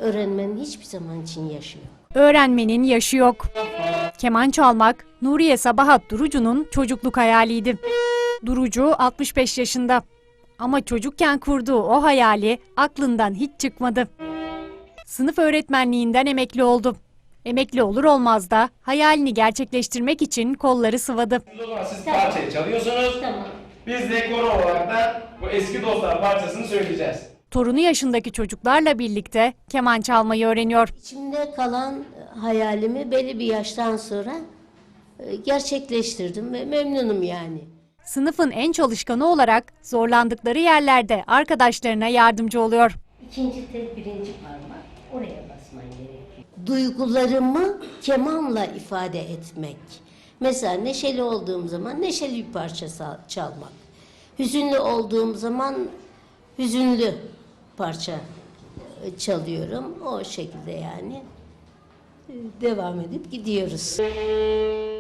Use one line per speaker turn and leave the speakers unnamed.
Öğrenmenin hiçbir zaman için yaşı yok.
Öğrenmenin yaşı yok. Keman çalmak Nuriye Sabahat Durucu'nun çocukluk hayaliydi. Durucu 65 yaşında. Ama çocukken kurduğu o hayali aklından hiç çıkmadı. Sınıf öğretmenliğinden emekli oldu. Emekli olur olmaz da hayalini gerçekleştirmek için kolları sıvadı.
O zaman siz parçayı çalıyorsunuz.
Tamam.
Biz de koro olarak da bu eski dostlar parçasını söyleyeceğiz.
Torunu yaşındaki çocuklarla birlikte keman çalmayı öğreniyor.
İçimde kalan hayalimi belli bir yaştan sonra gerçekleştirdim ve memnunum yani.
Sınıfın en çalışkanı olarak zorlandıkları yerlerde arkadaşlarına yardımcı oluyor.
İkinci tel, birinci parmak, oraya basman gerekiyor. Duygularımı kemanla ifade etmek. Mesela neşeli olduğum zaman neşeli bir parça çalmak. Hüzünlü olduğum zaman hüzünlü parça çalıyorum. O şekilde yani devam edip gidiyoruz.